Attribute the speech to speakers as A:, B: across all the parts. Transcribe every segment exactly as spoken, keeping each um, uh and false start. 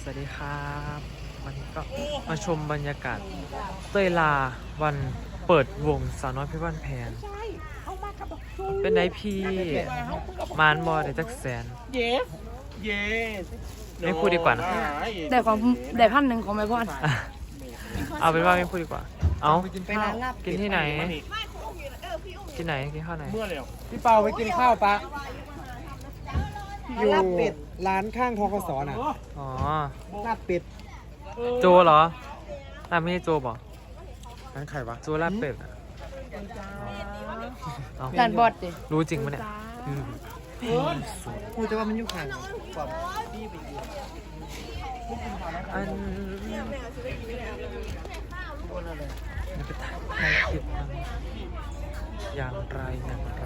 A: สวัสดีครับวันนี้ก็มาชมบรรยากาศเต้ยลาวันเปิดวงสาวน้อยเพชรบ้านแพงเป็นไงพี่มานบอได้จักแสน
B: yes yes
A: ไม่พูดดีกว่านะ
C: ได้ของได้พันหนึ่งของแม่พ่อน
A: อ่ะเอาเป็นว่าไม่พูดดีกว่าเอา
B: ไปร้านลาบ
A: กินที่ไหนที่ไหนกินข้าวไหน
B: เมื่อแล้ว
D: พี่เปาไปกินข้าวปะอยู่ร้านข้างทกสน่ะ
A: อ๋อ
D: ลาบเป็ด
A: โจเหรอร้านไม่ใช่โจบอก
D: ร้านใครวะ
A: โจลาบเป็ดอะเอา
C: ด่านบอดดิ
A: รู้จริงปะเนี่ยอืม
D: พูดแต่ว่ามันอยู่ข้าง
A: อันนี่ก็ถ่ายคลิปมันอย่างไรอย่างไร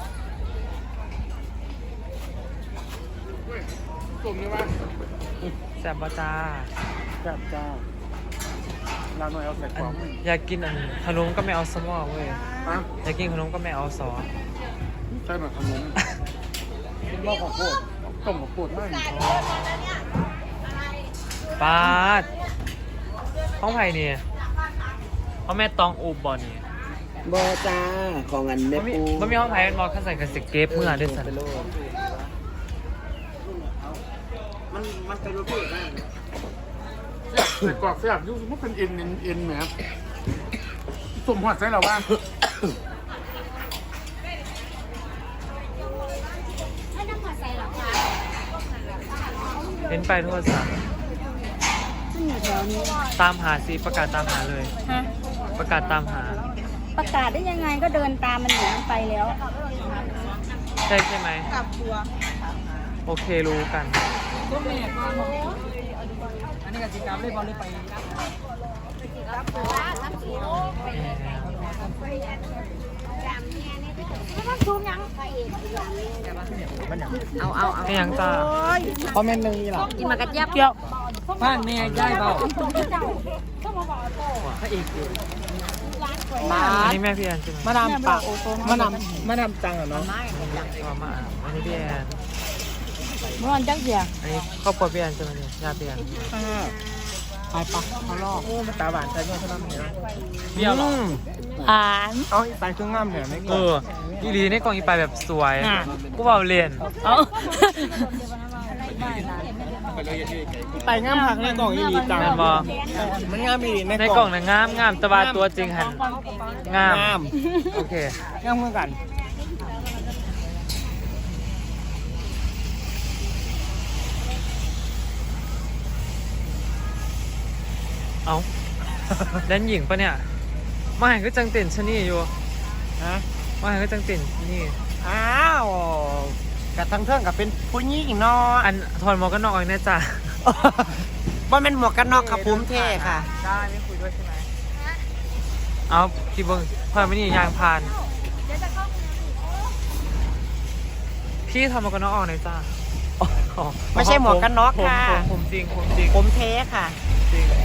B: กลุ่มนี้ว่า
A: แซ่บบ่จ้า
B: จับจ้าเราหน่อยเอาใส่ก
A: อั
B: ล่อง
A: นอยากกินอันขนมก็ไม่เอาสมอเว้ย
B: อ่ะ
A: อยากกินขนมก็ไม่เอาซอส
B: ใส่หน่อยขนมเป็นรอบของโคตรต้มของโคตรมาก
A: ปาดห้องไผ่เนี่ยห้องแม่ตองอูบบอลนี่
D: บอจ้าของอันแม่
A: มันมี
D: ปู
A: มันมีห้องไผ่เป็นมอคัสใส่กับสเก็ปเมื่อเดือนสัน
D: มันมันเป็นรูปแบบนั้น
B: ใส่กรอกแซ่บยุ่งมันเป็นเอ็นเอ็นเอ็นแหมสมหัวใส่เราบ้าง
A: เห็นไปโทษสันตามหาสิประกาศตามหาเลย
C: ฮะ
A: ประกาศตามหา
C: ประกาศได้ยังไงก็เดินตามมันหนีมันไปแล้ว
A: ใช่ใช่ไหมกลับตัวโอเครู้กัน
D: อันนี้กับจิกรรมเลยบอลเลยไป
C: เอาเอาเอา
A: ไม่ยังจ้า
D: คอมเมนต์หนึ่งนี่หรอ
C: กินมากระเจี๊ยบเปรี้ยว
D: บ้านแม่ย่ายเปล่า
A: อันนี้แม่พี่แอนใช่ไหม
D: มาดามปากมาดามมาดามจังเหรอเนาะ
A: มามาอันนี้พี่แอน
C: เมื่อวันจังเสีย
A: อันนี้ครอบครัวพี่แอนใช่ไหมเนี่ยญาติพี่แอน
D: ไปปะเขาลอกโอ้มันตาหวานใจเงี้ยเขาทำเนี่ย
A: เบี้ยวหรอ
C: อ่าน
D: เอาไปเครื่องงามเนี่ยไม่
A: เอออีหลีในกล่องอีไปแบบสวยกูเบาเรียน
C: เอา
D: ไปงามผักในกล่องอีดีจัง
A: แม่นบ่
D: มันงามอีดี
A: ใน
D: ใน
A: ก
D: ก
A: ล่
D: ล่
A: อ
D: อง ง
A: น่ะงามงามแต่ว่าตัวจริงหันงาม
D: งาม
A: โอเค
D: งามเหมือนกัน
A: เอาแดนหญิงปะเนี่ยมาหันก็จังเต้นชะนี่อยู่
D: ฮะ
A: มาหันก็จังเต้นนี่
D: อ้าวกับทั้งเทิงกับเป็นผู้หญิงเนาะ
A: อันถอนหมวกกันน็อกอีกนะจ๊ะ
D: ว่าเป็นหมวกกันน็อกครับผมเท่ค่ะ
A: ได้ไม่คุยด้วยใช่ไหมเอาพี่เบิ้งพอไม่นี่ยางพาน พี่ทำหมวกกันน็อกออกหน่อยจ้า
D: ไม่ใช่หมวกกันน็อก
A: ผม
D: ค่ะ
A: ผมผมจริงผมจริง
D: ผมเท่ค่ะ
A: จริง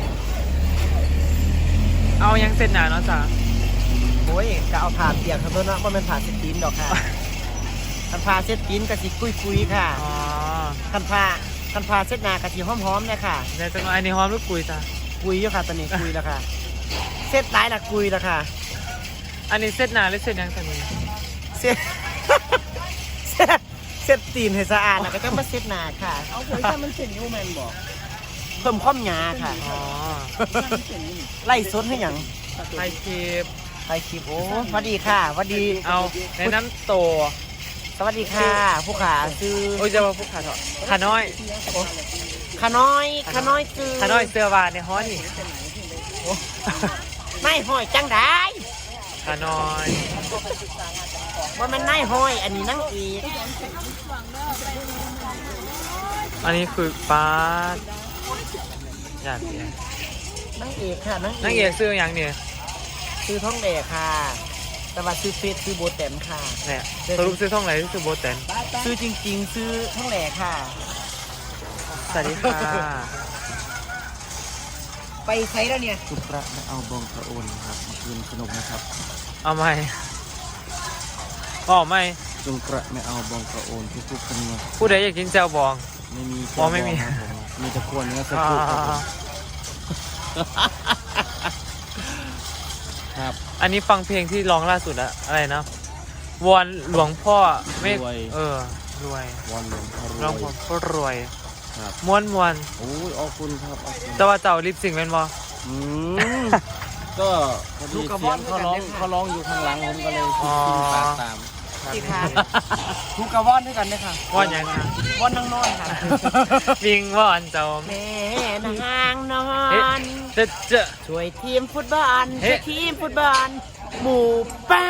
A: เอายังเสร็จหนาเนาะจ้า
D: โอ้ยก็เอาผ่าเปียกครับเพื่อนว่าว่ามันผ่าเส้นตีนดอกค่ะคันผ่าเส้นตีนกะสิกุยกุยๆค่ะ
A: อ๋อ
D: คันผ่าคันผ่าเส้นหนากะสิหอมหอมๆเนี่ยค่ะ
A: ในจังหวะอันนี้หอมหรือกุยจ้า
D: กุยอยู่ค่ะตอนนี้กุยแล้วค่ะเส้นหลายละกุยแล้วค่ะ
A: อันนี้เสร็จหนาหรือเสร็จยังตอนนี้
D: เส้น เส้นเส้นตีนให้สะอาดแล้วก็ต้องมาเส้นหนาค่ะเอาเผยถ้ามันเส้นยูแมนบอกเพิ่มความหยาค่ะ
A: อ๋อ
D: ไล่ซดให้หยัง
A: ไทยคลิป
D: ไปคลิปโอ้สวัสดีค่ะสวัสดี
A: เอาแนะนำตัว
D: สวัสดีค่ะ ผู้ขาซื้อ
A: โอ้ยจะมาพูดขาเถอะขาน้อย
D: ขาน้อยขาน้อยซื้อ
A: ขาน้อยเสื้อวานในฮ้อนนี่
D: นายห้อยจังได้
A: ขาน้อย
D: ว่ามันนายห้อย อันนี้นั่งอีก
A: อันนี้คือปาดอยากเสีย
D: นั่งเอกค่ะนั่ง
A: นักเอกซื้ออย่างเนี่ย
D: ซื้อท้องแดกค่ะ แต่ว่าซื้อเฟซซื้อโบแตมค่ะ
A: เนี่ยสรุปซื้อท่องไหนซื้อโบแตน
D: ซื้อจริง ๆ ซื้อท้องแดกค่ะ
A: สวัสดีค่ะ
D: ไปไซแล้วเนี่ย
E: สุพระไม่เอาบองพระโอนครับมาคืนขนมนะครับ
A: เอาไหมบอกไหม
E: จงกระไม่เอาบองพระโอนทุกๆคนนะ
A: ผู้ใดอยากกินแจวบอง
E: ไม่มี
A: อ๋อไม่มี
E: ครับผมมีแต่ควรเนื้อสะ
A: อ่า
E: โพกครับผมครับ
A: อันนี้ฟังเพลงที่ร้องล่าสุดอะอะไรนะวอนหลวงพ่อไม่
E: รวย
A: เออรวย
E: วันหลวงพ่อร
A: ร้อง
E: วย
A: พ่อรวย
E: ครับ
A: ม้วนมวน
E: โอ้ยขอบคุณครับขอบคุณ
A: แต่ว่าเจ้าลิปซิงค์เป็นบ่
E: อืมก็พอดีเสียงเขาร้องเขาร้องอยู่ข้างหลังผมก็เลยคิดขึ้นปากตาม
D: ที่ค่ะทุกกระว่อนด้วยกันเลยค่ะ
A: ว่อนยังไง
D: ว่อนนั่งนอนค่ะ
A: วิงว่อนเจ้า
D: แม่นางนอ
A: เฮ้
D: น
A: เจ๊เจ๊
D: ช่วยทีมฟุตบอล
A: เฮ้
D: ช่วยทีมฟุตบอลหมู่ป้า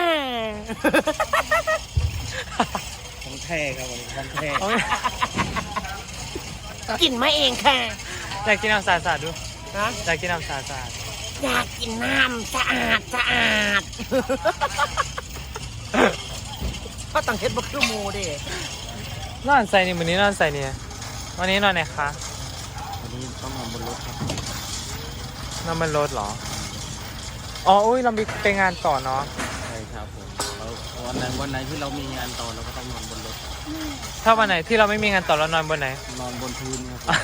E: ของแท้ครับผมของแท้
A: เอาไง
D: กินมาเองค่ะ
A: อยากกินน้ำสาดสาดดู
D: นะ
A: อยากกินน้ำสาดสาด
D: อยากกินน้ำสะอาดสะอาด ก็ต้องเฮ็ดบ่คือหมูเดิ
A: นอนใส่นี่วันนี้นอนใส่นี่วันนี้นอนไหนคะ
E: วันนี้ต้องนอนบนรถครับ
A: นอนบนรถเหรออ๋ออุ้ยเรามีไปงานต่อเนาะ
E: ใช่ครับผมเราวันไหนวันไหนที่เรามีงานต่อเราก็ต้องนอนบนรถ
A: ถ้าวันไหนที่เราไม่มีงานต่อเรานอนบนไหน
E: นอนบนพื้นครับผม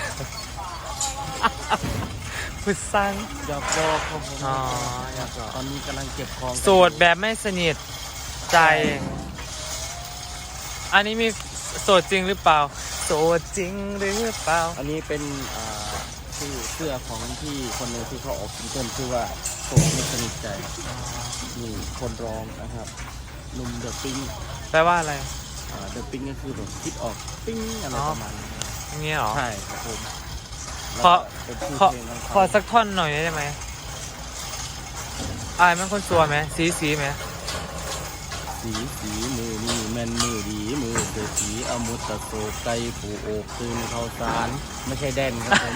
A: พุซัง
E: อยากบอกครับผม
A: อ๋ออยากบอก
E: ตอนนี้กำลังเก็บของ
A: โสดแบบไม่สนิทใจ อันนี้มีโสดจริงหรือเปล่า โสดจริงหรือเปล่า
E: อันนี้เป็นอ่าชื่อเสื้อของที่คนหนึงที่เขาออกซิงเกิลชื่อว่าโสดไม่สนิทใจนี่คนร้องนะครับหนุ่มเดอะปิ้ง
A: แปลว่าอะไร
E: อ่าเดอะปิ้งก็คือแบบคิดออกปิ้งอะไร
A: อ๋อ
E: ประมาณนี้
A: อย่างเงี้ยเหรอ
E: ใช่ครับผม
A: ขอ
E: แล้วก็เป็นชื่อ
A: ขอ
E: เพลงของ
A: ข
E: เขา
A: อสักท่อนหน่อยได้ไหมอายมันคนสัวไหมสีสีไหม
E: สีสีมือนี่แมนมือดีมือเสือสีอมุตตะโศกไก่ผูโอกตื่นเข้าสารไม่ใช่แดนครับผม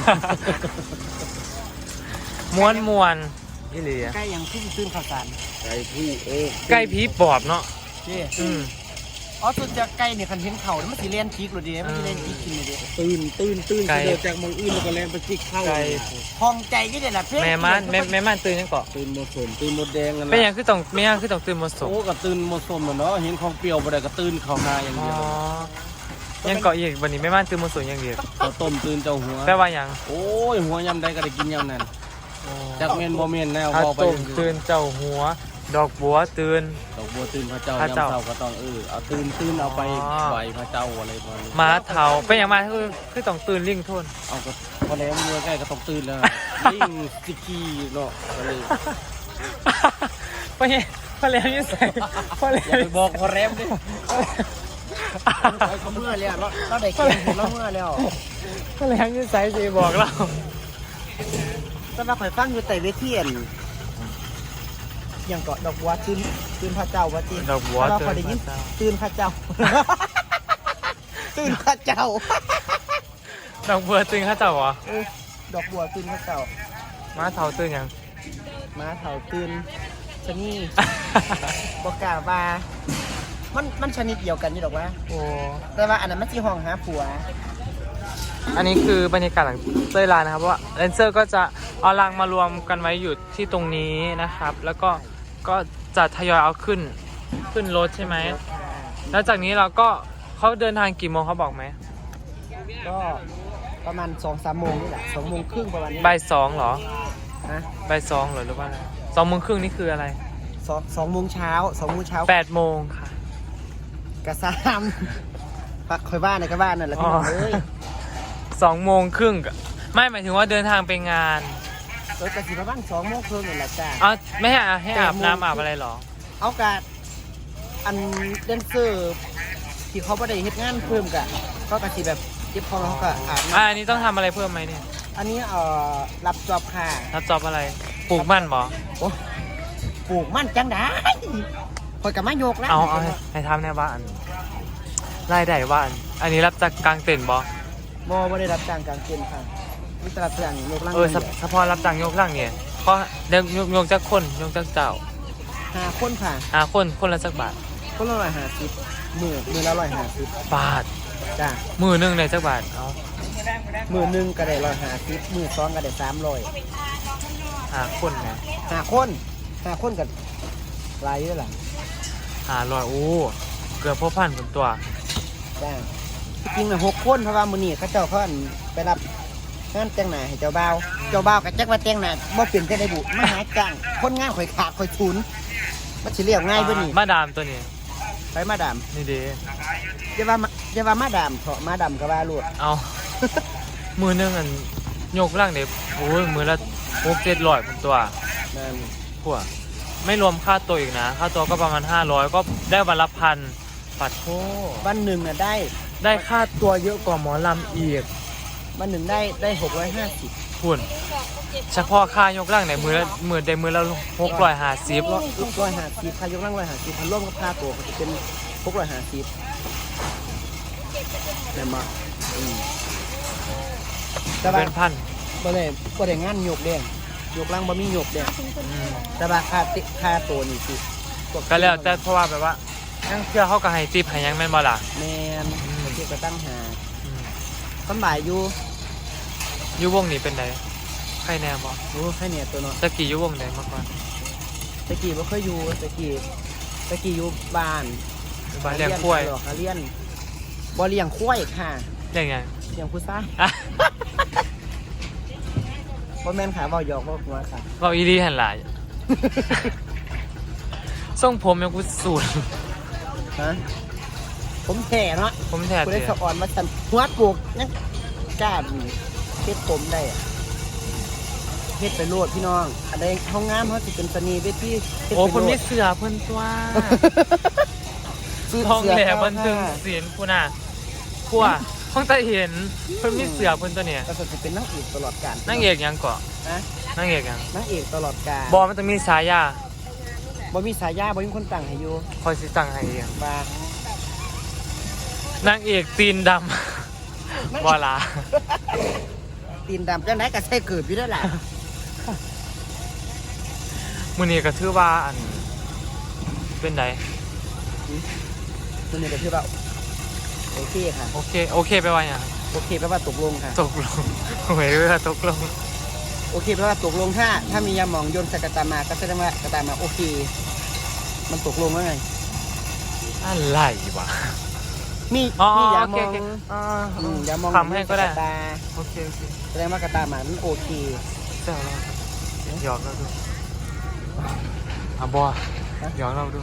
A: ม้วนมวนอีหลีอะ
D: ใกล้ยังเพิ่งตื่นข่าวสาร
E: ไก่ผู้โอก
A: ใกล้ผีปอบเนาะ
D: นี่
A: อืม
D: อ๋อสุดจะใกล้เนี่ยคันเห็นเข่าแล้วมันสิเลียนพีกหรือดีมันสิเลียนพีกกินเลยดิ
E: ตื่นตื่นตื่น
A: ไก่
E: เดินจากเมองอื่นแล้วก็แลนไปจิกเข้า
A: ไก่
D: พองใจก็ได้ละเพื่
A: แม่ม่านแม่แม่ม่านตื่นยังเกาะ
E: ตื่นหมดสมตื่นหมดแดงกัน
A: เป็นหยั
E: นะ
A: งคือต้องไม่ยังคือต้องตื่นมาสม
E: โอ้ก็ตื่นหมดสมเหมือนเนาะเห็นของเปรี้ยวบ่ได้ก็ตื่นเข้าหาอย่าง
A: อ๋อ
E: เดียว
A: ยังเกาะอีกวันนี้แม่ม่านตื่นมาสมอย่างเดียว
E: ข้าวต้มตื่นเจ้าหัว
A: แปลว่าหยัง
E: โอ้ยหัวยำใดก็ได้กินยำนั้นจากเมนบ่เมนแนว
A: ข้าว
E: พอไป
A: ต้มตื่นเจ้าหัว ดอกบัวตื่น
E: ดอกบัวตื่นพระเจ้า
A: พระ
E: ยำ
A: เจ้า
E: เช้าก็ต้องเออเอาตื่นตื่นเอาไป
A: อ๋อ
E: ไหวพระเจ้าอะไรประมาณนี้
A: หมาเทาเป็นอย่างมาคือคือต้องตื่นลิงโทน
E: เอาก็พอแล้วมือใกล้ก็ต้องตื่นแล้วลิงสิกีเนาะก็เลย
A: เพราะเนี่ยเพราะแล้วยังใส่เพราะแล้
E: อย่าว ไปบอกพอแรมดิ
D: เขาเมื่อแล้วเราเราได้กินเห็นเราเมื่อแล้ว
A: เพราะแล้วยังใส่สิบอกเรา
D: แต่ว่าข่อยฟังอยู่แต่เวทีอั่นยังเกาะดอกบัวตื่นตื่นพระเจ้าว่าจี
A: ดอกบัว
D: เรา
A: ตื่
D: พอน ได้ยิน
A: พระเจ้า
D: ตื่นพระเจ้า ตื่นพระเจ้า
A: ดอกบัวตื่นข้าเจ้าเหรอ
D: เออดอกบัวตื่นพระเจ้า
A: หมาเทาตื่นยัง
D: ม้าเถาตื่นชะนี่บอกกล่าวว่ามันมันชนิดเดียวกันอยู่ดอกว่า
A: โอ้
D: แต่ว่าอันนั้นมันจีห้องหาผัว
A: อันนี้คือบรรยากาศหลังเต้ยลานะครับเพราะว่าแดนเซอร์ก็จะเอารางมารวมกันไว้อยู่ที่ตรงนี้นะครับ แล้วก็ก็จะทยอยเอาขึ้นขึ้นรถใช่ไหมแล้วจากนี้เราก็เขาเดินทางกี่โมงเขาบอกไหม
D: ก็ประมาณสองสามโมงนี่แหละสองโมงครึ่งประมาณนี้
A: บ่ายสองเหรอ
D: นะ
A: บ่ายสองเหรอหรือว่าอะไรสองโมงครึ่งนี่คืออะไร
D: สองสองโมงเช้าสองโมงเช้า
A: แปดโมงค่ะ
D: กระซามปักคอยบ้านในกระบ้านนั่นแหละพี่น้องเอ้ย
A: สองโมงครึ่งไม่หมายถึงว่าเดินทางไปงาน
D: รถกระสีประมาณสองโมงครึ่งนี่แหละจ้า
A: เอาไม่ให้อาให้อาบน้ำอาบอะไรเหรอ
D: เอากะอันเดนเซอร์ที่เขาไม่ได้เฮ็ดงานเพิ่มกะก็กระสีแบบเก็บของเขาก็อาบ
A: อ่า
D: น้ำ
A: อันนี้ต้องทำอะไรเพิ่มไหมเนี่ย
D: อันนี้เอ่อรับจอบค่ะ
A: รับจอบอะไรปลูกมันบอ
D: โอ้ปลูกมันจังได้คอยกับมาโยกแล้ว
A: เอาเอาให้ให้ทำแน่บ้านรายได้บ้าน อันนี้รับจากกลางเต็นท์บอ
D: บ่บ่ได้รับจ้างกลางเต็นท์ค่ะมีแต่รับจ้างโยกล่าง
A: เออสะสะพอรับจ้างยกล่างเนี่ยเขาเดี๋ยวยกยกจากคนยกจากเจ้า
D: หาคนค่ะ
A: หาคนคนละสักบาท
D: คนละร้อยห้าสิบมือมือละร้อยห้าสิบบ
A: าท
D: จ้า
A: มือหนึ่งในสักบาทเอา
D: มือหนึ่งก็ได้ร้อยห้าสิบมือสองก็ได้สามร้อย
A: หาคนไง
D: หาคนหาคนกับรายเยอะหลัง
A: หาลอยโอ้เกือบพ่อพันคนตัว
D: จ้าจริงๆนะหกคนเพราะว่ามือนี้เขาเจ้าเขาอั่นไปรับงานแต่งหน้าให้เจ้าบ่าวเจ้าบ่าวก็จักว่าแต่งหน้าบ่เป็นจังได๋บุมาหาจ้างคนงานข่อยขาดข่อยทุนมันสิเรียกง่ายบ่นี่
A: มาดามตัวนี้
D: ไปมาดาม
A: นี่เด้
D: อย่าว่ามาอย่าว่ามาดามเถาะมาดามก็ว่าโลด
A: เอา มือหนึงอันยกล่างเด็บโอ้ยมือละหกเจ็ดร้อยเป็นตัว
D: นั่น
A: พวกไม่รวมค่าตัวอีกนะ ค่าตัวก็ประมาณห้าร้อยก็ได้วันละพันปัดโท
D: วันหนึ่งน่ะได้
A: ได้ค่าตัวเยอะกว่าหมอลำอีก
D: วันหนึ่งได้ได้หกร้อยห้าสิบ
A: คุณเฉพาะค่ายกล่างในมือละมือได้มือละหกร้อยห้าสิบ
D: ร้อยห้าสิบค่ายกนั่งร้อยห้าสิบพันร่วมกับค่าตัวก็จะเป็นหกร้อยห้าสิบแม่นบ่อืมแต่ว่า
A: เป็นพัน
D: บ่ได้บ่ได้งานยกเด้งยกล่างบ่มียกเด้ง
A: อืม
D: แต่ว่าค่าติค่าตัวนี่สิ
A: ก็แล้วแต่เพราะว่าแบบว่ายังเชื่อเขาก็ให้ติปให้ยังแม่นบ่ล่ะ
D: แม่น
A: อืม
D: เที่ยวก็ตั้งหา
A: อืม
D: สำบายอยู่
A: อยูวงนี้เป็นไงใครแน่บ่
D: โอ้ให้เนี่ยตัวเนาะ
A: ตะกี้อยูวงไหนมาก่อน
D: ตะกี้บ่เคยอยู่ตะกี้ตะกี้อยู่บ้าน
A: บ้านเลี้ยงกล้วย
D: หาเลี้ยงบ่เลี้ยงควายค่ะ
A: เลี้ยงไง
D: เลี้ยงผู้ชาย
A: อ่ะ
D: บ่แม่นค่ะเว้าหยอกเว้าหัวค่ะ
A: เราอีดีหันหลาย ทรงผมยังกูสูตร
D: ฮะผมแท้เนาะ
A: ผมแทน
D: กู
A: เล
D: ได้
A: ย
D: สะอ่อนมาสั่นหัวปลูกยังกล้าเฮ็ดผมได้อะเฮ็ดไปโลดพี่น้องอันใดเฮางามเฮาสิเป็นสนีเวทีเฮ็ด
A: โอ้
D: ไป
A: คน
D: โล
A: มี
D: ด
A: เสือเพิ่นตัว
D: ซื้
A: ท้อง
D: เสื้
A: แหล่
D: เข้า
A: บันทึง
D: ค่ะ
A: เสียนกูน่ะกูอ่ะท้องตาเห็นเพิ่นมีเสือเพิ่นตัวเนี่ย
D: ก็สิเป็นนางเอกตลอดกาล
A: นางเอกยังเกาะ
D: นะ
A: นางเอกยัง
D: นางเอกตลอดกาล
A: บอมันจะมีสายา
D: บ่มีสายาบ่มีคนตั้งให้อยู่
A: คอยสิตั้งให้เอง
D: ว่าน
A: างเอกตีนดำ บอลา
D: ตีนดำจังได๋ก็ใส่เกิดอยู่แล้วล่ะ
A: มื้อนี้ก็ถือว่าอันเป็นได
D: ตัวนี้ก็คือว่าโอเคค่ะ
A: โอเคโอเคไปว่าหยัง
D: โอเคแปลว่าตกลงค่ะ
A: ตกลง หวยเรือตกลง
D: โอเคแปลว่าตกลงถ้าถ้ามียาหมองโยนใส่กระตามาก็แสดงว่ากระตามาโอเค มันตกลงแล้วไง
A: อะไรวะ
D: มี
A: อ๋อ
D: มียา
A: โอ
D: หม
A: เค
D: อง
A: โอเคอ่า
D: อืมยาหมอง
A: ทำให้ก็ได้
D: โยนใส่กระตา
A: โอเคโอเค
D: แสดงว่ากระตามามันโอเค
A: แซวเราหยอกเราดูอ่ะบอหยอกเราดู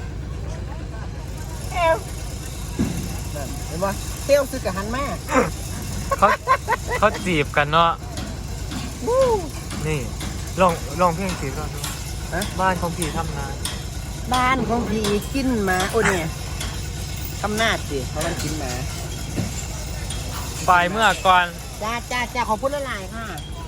D: นั่นเห็นป่ะเที่ยวซื้อกับหันมา
A: เขาเขาจีบกันเนาะนี่ลองลองเพลงจีบก่อนดู
D: ฮะ
A: บ้านของพี่ทำนาน
D: บ้านของพี่กินหมาโอ้เนี่ยทำหน้าสิเพราะมันกินหมา
A: บ่ายเมื่อก่อน
D: จ้าจ้าจ้าขอพูดละลายค่ะ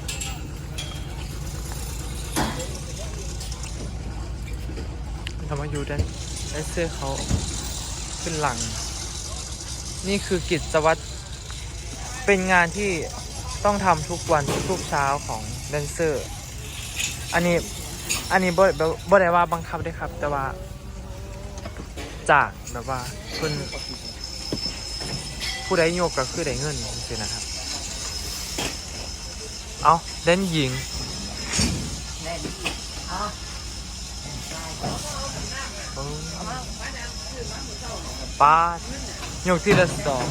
A: ทำมาอยู่ด้านไอเสื้อเขาขึ้นหลัง นี่คือกิจวัตรเป็นงานที่ต้องทำทุกวันทุกเช้าของแดนเซอร์ อันนี้อันนี้บ่บ่บ่ได้ว่าบังคับได้ครับ แต่ว่าจากแบบว่าคุณผู้ใดโยกก็คือได้เงินจริงๆนะครับ เอาเล่นหญิงป้าดโยกที่ละสอง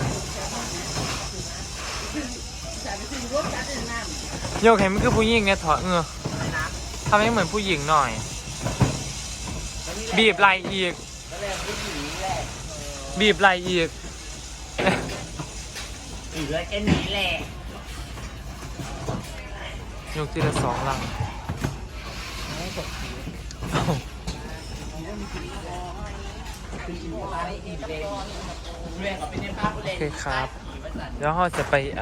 A: โยกเห็นมันคือผู้หญิงไงถอดเงือทำให้เหมือนผู้หญิงหน่อย บีบไหลอีก บีบไหลอีก
D: อีกแล้วแค่นี้แหละ
A: ยกทีละสองลังโอเคครับ แล้วเราจะไปเอ่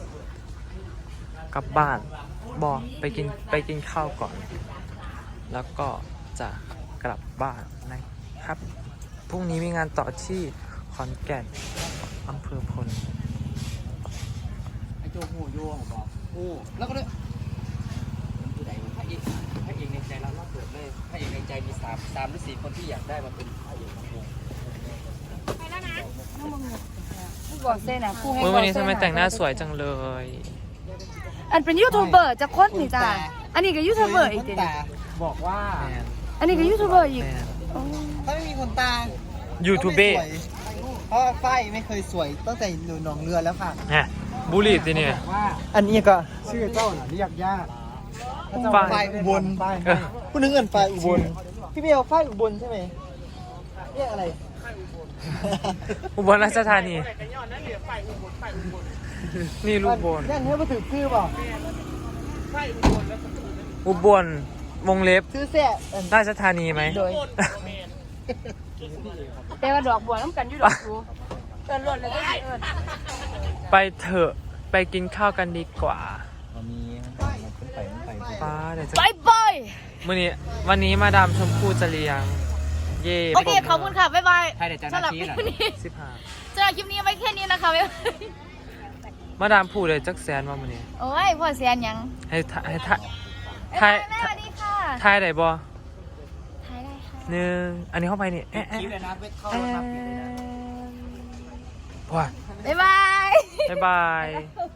A: อกลับบ้านบอกไปกินไปกินข้าวก่อน แล้วก็จะกลับบ้านนะครับ พรุ่งนี้มีงานต่อที่ขอนแก่นอำเภอพล
E: ไอ้โจ้หูโย่งบอกหูแล้วก็เลยผู้ใดพระเอกพระเอกในใจเราเราเปิดเลยพระเอกในใจมีสามสามหรือสี่คนที่อยากได้มาเป็นพระเอกของวง
C: ผู้บอกเส้นอ่ะผู้ให้
A: เมื่อ
C: บอก
A: วันนี้
C: เส้
A: ทำ
C: น
A: ไม
C: อะ
A: แต่งหน้าสวยจังเลย
C: อันเป็นยูทูบเบอร์จะโคตรนี่จ้าอันนี้ก็ยูทูบเบอร์อีกเดี๋ยวนี้
D: บอกว่า
A: แมน
C: อันนี้ก็ยูทูบเบอร์อีก
A: แมน
C: โอ้
D: ถ้าไม่มีคนตา
A: ยูทูบเบอร์
D: เพราะฝ้ายไม่เคยสวยตั้งแต่อยู่หนองเรือแล้วค่ะ
A: เนี่ยบุรีสิเนี่ย
D: อันนี้ก็ชื่อเจ้าน่ะเรียกยาก
A: ฝ่าย
D: อุบล
A: เออ
D: ผู้นึงเอินฝ่ายอุบลพี่เบลฝ่ายอุบลใช่ไหมเรียกอะไร
A: อุบลราชธานีนี่ลูกบน
D: ยังให้มาถือชื่อเปล่า
A: อุบลวงเล็บ
D: ชื่อแซ่อัน
A: ราชธานีไหม
C: โดยแต่ว่าดอกบัวน้ำกันอยู่ดอกบัวเอินรถเลยก็เอิน
A: ไปเถอะไปกินข้าวกันดีกว่า
E: มีไปไป
A: ป้าเดี๋ยวจะ
C: ไปไป
A: มื่อนี้วันนี้มาดามชมพู่จะเลี้ยง เย่
C: โอเคขอบคุณค่ะ บ๊ายบาย
E: ให้เดี๋ยวจะ
C: สำหรับ
E: นาที
C: คลิป
E: หน่อย
C: นี้
A: สิบห้า
C: สำหรับคลิปนี้ไว้แค่นี้นะคะบ๊ายบาย
A: มาดามพูดเลยจักแสนว่ามื่อนี้
C: โอ้ยพ่อเสียนยัง
A: ให้ทายให้ทาย
C: บ๊าย
A: ทาย
C: บายแม่สวัสดีค่ะ
A: ทายได้บ่
C: ถ่ายได้ค่ะ
A: หนึ่งอันนี้เข้าไปนี่เอ๊ะ
E: ค
A: เอ๊ะ
E: ลิปเลยนะเวทเข้า
A: เอ๊ะ
E: มา
A: ว้า
C: บ๊ายบาย
A: บ๊ายบาย